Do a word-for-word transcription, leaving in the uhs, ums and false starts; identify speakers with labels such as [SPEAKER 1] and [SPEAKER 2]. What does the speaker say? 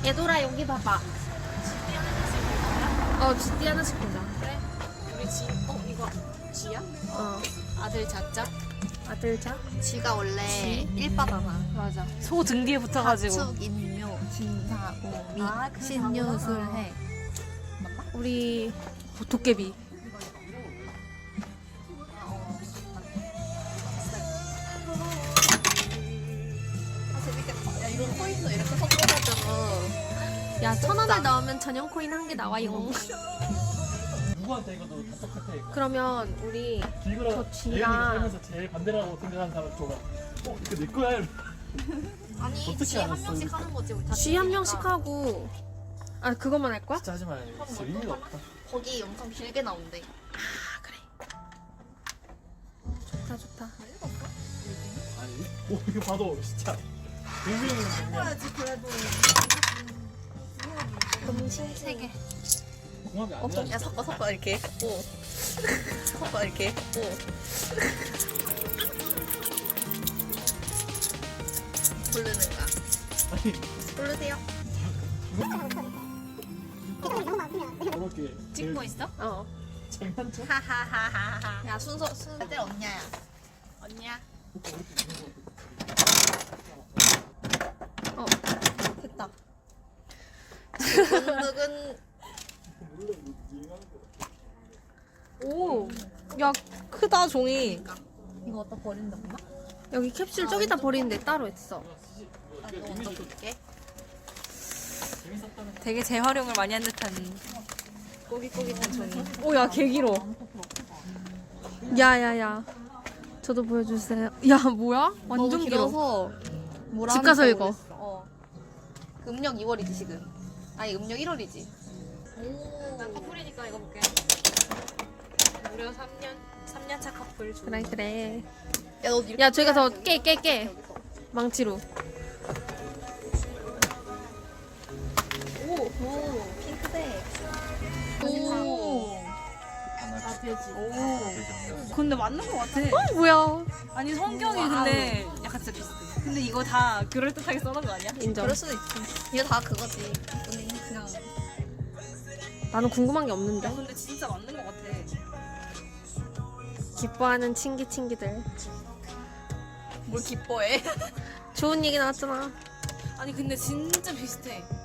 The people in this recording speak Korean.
[SPEAKER 1] 얘들아 여기 봐봐. 어, 지띠 하나씩 보자.
[SPEAKER 2] 그래? 우리 지, 어 이거 지야?
[SPEAKER 1] 어,
[SPEAKER 2] 아들 자자?
[SPEAKER 1] 아들 자.
[SPEAKER 3] 지가 원래 일바잖아.
[SPEAKER 2] 맞아. 소 등 뒤에 붙어가지고.
[SPEAKER 3] 가축, 인묘, 진사, 오미,
[SPEAKER 2] 아, 그래,
[SPEAKER 3] 신유,
[SPEAKER 2] 다구나.
[SPEAKER 3] 술해.
[SPEAKER 1] 우리 도깨비.
[SPEAKER 3] 아 재밌겠다. 야 이런 코인도 이렇게 섞어가지고.
[SPEAKER 1] 야, 천 원을 넣으면 전용 코인 한 개 나와요.
[SPEAKER 4] 누구한테 이거 너 똑같아 이거.
[SPEAKER 1] 그러면 우리
[SPEAKER 4] 길거라
[SPEAKER 1] 저 쥐랑-
[SPEAKER 4] 예은이 살면서 제일 반대라고 생각하는 사람 줘봐. 어 이거 내 거야. 이러면.
[SPEAKER 3] 아니
[SPEAKER 4] 어떻게
[SPEAKER 3] 지 한
[SPEAKER 4] 알았어,
[SPEAKER 3] 명씩
[SPEAKER 4] 이거?
[SPEAKER 3] 하는 거지 우리 다.
[SPEAKER 1] 쥐 한
[SPEAKER 3] 팀이니까.
[SPEAKER 1] 명씩 하고. 아, 그것만 할 거야?
[SPEAKER 4] 진짜 하지 마요. 진짜 의미가 없다.
[SPEAKER 3] 거기 영상 길게 나온대.
[SPEAKER 1] 아, 그래. 좋다, 좋다.
[SPEAKER 4] 아니, 오 이거 봐도 진짜 의미없는 장면.
[SPEAKER 3] 그래도.
[SPEAKER 1] 음식
[SPEAKER 3] 세 개.
[SPEAKER 4] 공합이 안
[SPEAKER 3] 엄청
[SPEAKER 4] 돼.
[SPEAKER 3] 야 섞어 섞어 이렇게. 오. 섞어 이렇게. 오. 고르는 거야.
[SPEAKER 4] 아니
[SPEAKER 3] 고르세요.
[SPEAKER 4] 저렇게
[SPEAKER 2] 찍고 있어?
[SPEAKER 1] 어.
[SPEAKER 4] 장난쳐?
[SPEAKER 3] 하하하하하. 야 순서 순서 때 언냐야.
[SPEAKER 2] 언니야.
[SPEAKER 1] 어.
[SPEAKER 3] 됐다. 두근두근.
[SPEAKER 2] 오. 야 크다 종이.
[SPEAKER 3] 이거 어디다 버린다구나?
[SPEAKER 1] 여기 캡슐 저기다 버리는데 따로 있어.
[SPEAKER 3] 나 이거 먼저 볼게.
[SPEAKER 2] 되게 재활용을 많이 한 듯한 꼬깃꼬깃한 종이. 오야 개 길어.
[SPEAKER 1] 야야야. 저도 보여주세요. 야, 뭐야? 완전
[SPEAKER 3] 너무
[SPEAKER 1] 길어.
[SPEAKER 3] 길어서 뭐라
[SPEAKER 1] 집 가서
[SPEAKER 3] 하는지
[SPEAKER 1] 읽어.
[SPEAKER 3] 모르겠어. 어. 그 음력 이월이지 지금. 아니 음력 일월이지. 오.
[SPEAKER 2] 난 커플이니까 이거 볼게. 무려 삼 년 삼 년 차 커플 중.
[SPEAKER 1] 그래, 그래.
[SPEAKER 3] 야, 너 이렇게
[SPEAKER 1] 야, 저기가 더
[SPEAKER 3] 해야지.
[SPEAKER 1] 깨, 깨, 깨.
[SPEAKER 3] 여기서.
[SPEAKER 1] 망치로.
[SPEAKER 3] 오, 오, 핑크색.
[SPEAKER 2] 오.
[SPEAKER 4] 아
[SPEAKER 2] 돼지.
[SPEAKER 4] 오.
[SPEAKER 2] 근데 맞는 거 같아.
[SPEAKER 1] 어, 뭐야.
[SPEAKER 2] 아니 성경이 근데 약간 진짜 비슷해. 근데 이거 다 그럴 듯하게 써놓은 거 아니야?
[SPEAKER 1] 인정.
[SPEAKER 3] 그럴 수도 있지. 이거 다 그거지. 우리 그냥
[SPEAKER 1] 나는 궁금한 게 없는데.
[SPEAKER 2] 야 근데 진짜 맞는 거 같아.
[SPEAKER 1] 기뻐하는 친기친기들.
[SPEAKER 3] 뭘 기뻐해.
[SPEAKER 1] 좋은 얘기 나왔잖아.
[SPEAKER 2] 아니 근데 진짜 비슷해.